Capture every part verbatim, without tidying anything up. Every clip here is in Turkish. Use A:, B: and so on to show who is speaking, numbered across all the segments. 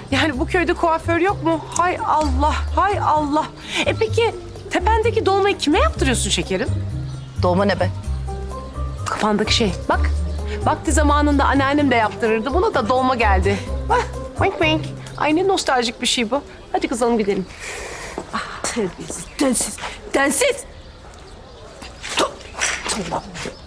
A: Yani bu köyde kuaför yok mu? Hay Allah, hay Allah. E peki tependeki dolmayı kime yaptırıyorsun şekerim?
B: Dolma ne be?
A: Kafandaki şey. Bak, vakti zamanında anneannem de yaptırırdı. Buna da dolma geldi. Bak, wink wink. Ay ne nostaljik bir şey bu. Hadi kızalım gidelim. Ah, terbiyesiz, densiz, densiz. Tamam.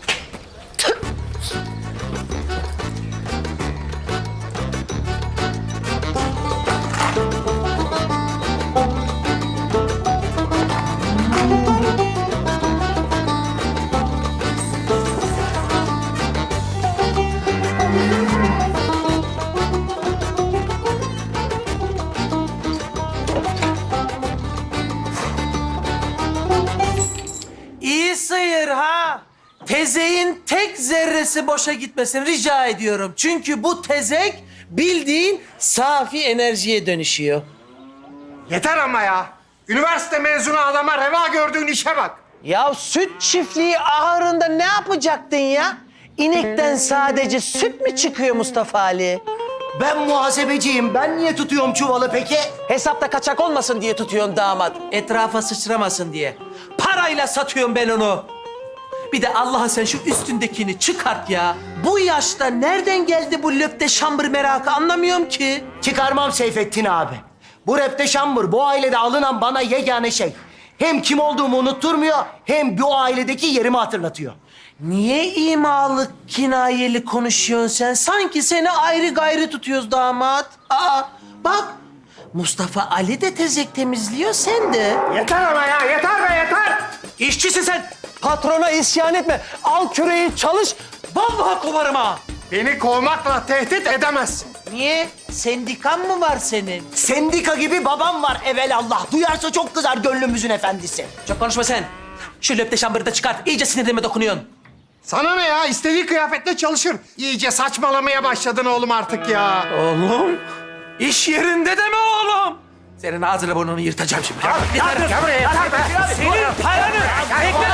C: İyi sıyır ha. Tezeğin tek zerresi boşa gitmesin rica ediyorum. Çünkü bu tezek bildiğin safi enerjiye dönüşüyor.
D: Yeter ama ya. Üniversite mezunu adama reva gördüğün işe bak.
C: Ya süt çiftliği ahırında ne yapacaktın ya? İnekten sadece süt mü çıkıyor Mustafa Ali?
E: Ben muhasebeciyim. Ben niye tutuyorum çuvalı peki?
C: Hesapta kaçak olmasın diye tutuyorsun damat. Etrafa sıçramasın diye. Parayla satıyorum ben onu. Bir de Allah'a sen şu üstündekini çıkart ya. Bu yaşta nereden geldi bu löpte şambır merakı anlamıyorum ki.
E: Çıkarmam Seyfettin abi. Bu repte şambur, bu ailede alınan bana yegane şey. Hem kim olduğumu unutturmuyor, hem bu ailedeki yerimi hatırlatıyor.
C: Niye imalı, kinayeli konuşuyorsun sen? Sanki seni ayrı gayrı tutuyoruz damat. Aa, bak Mustafa Ali de tezek temizliyor, sen de.
D: Yeter ama ya, yeter be yeter.
C: İşçisin sen. Patrona isyan etme. Al küreği çalış. Vallahi kovarım ha.
D: Beni kovmakla tehdit edemezsin.
C: Niye? Sendikan mı var senin?
E: Sendika gibi babam var evelallah. Duyarsa çok kızar gönlümüzün efendisi.
C: Çok konuşma sen. Şu löpte şambırı da çıkart. İyice sinirime dokunuyorsun.
D: Sana ne ya? İstediği kıyafetle çalışır. İyice saçmalamaya başladın oğlum artık ya.
C: Oğlum? İş yerinde de mi oğlum? Senin ağzını burnunu yırtacağım şimdi.
D: Ya, ya, gel buraya, yeter be.
C: Senin paranı. Bekle.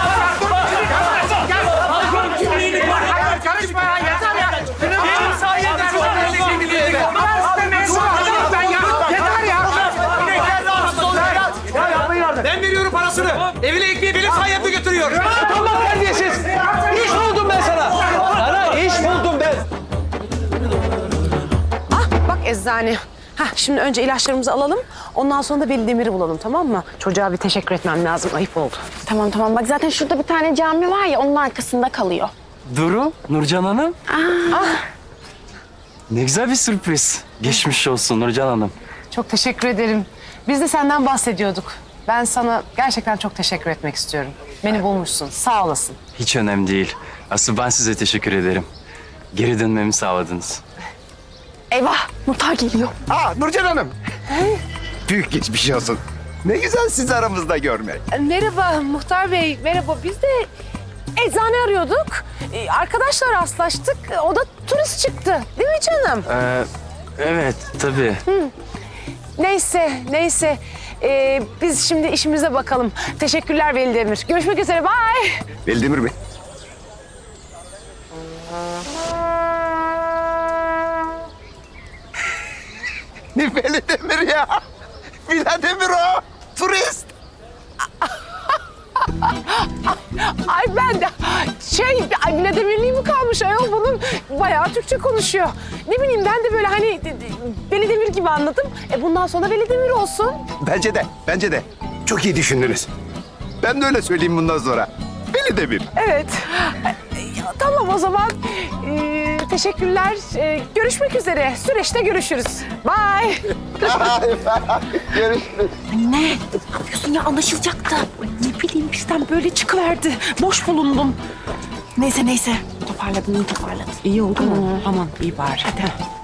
D: Hayır, karışma ya, yeter ya.
C: Benim sayemde
D: Üniversite mezunu adamım ben ya. Yeter ya.
C: Ben veriyorum parasını. Evine ekmeği benim sayemde götürüyor. Allah terbiyesiz. İş buldum ben sana. Sana iş buldum ben.
A: Ah bak eczane. Hah şimdi önce ilaçlarımızı alalım. Ondan sonra da Veli Demir'i bulalım tamam mı? Çocuğa bir teşekkür etmem lazım. Ayıp oldu.
B: Tamam tamam bak zaten şurada bir tane cami var ya onun arkasında kalıyor.
F: Duru, Nurcan Hanım. Ne güzel bir sürpriz. Geçmiş olsun Nurcan Hanım.
A: Çok teşekkür ederim. Biz de senden bahsediyorduk. Ben sana gerçekten çok teşekkür etmek istiyorum. Beni bulmuşsun. Sağ olasın.
F: Hiç önemli değil. Asıl ben size teşekkür ederim. Geri dönmemi sağladınız.
B: Eyvah muhtar geliyor.
G: Aa Nurcan Hanım. Büyük geçmiş olsun. Ne güzel sizi aramızda görmek.
A: Merhaba Muhtar Bey. Merhaba. Biz de eczane arıyorduk. Ee, arkadaşlar rastlaştık. O da turist çıktı. Değil mi canım?
F: Ee, evet, tabii.
A: Neyse, neyse. Ee, biz şimdi işimize bakalım. Teşekkürler Veli Demir. Görüşmek üzere. Bye.
G: Veldemir Bey. Ne Veldemir ya? Vladimir o. Turist.
A: Ay ben de şey, ay Vladimirliği mi kalmış ayol bunun? Bayağı Türkçe konuşuyor. Ne bileyim ben de böyle hani Veli Demir gibi anladım. E bundan sonra Veli Demir olsun.
G: Bence de, bence de. Çok iyi düşündünüz. Ben de öyle söyleyeyim bundan sonra. Veldemir.
A: Evet. E, tamam o zaman. Ee, teşekkürler. Ee, görüşmek üzere. Süreçte görüşürüz. Bye.
G: Görüşürüz.
A: Ne? Ne yapıyorsun ya? Anlaşılacaktı. Ne bileyim bizden böyle çıkıverdi. Boş bulundum.
B: Neyse neyse toparladın iyi toparladın.
A: İyi oldu mu? Aman iyi bari. Hadi.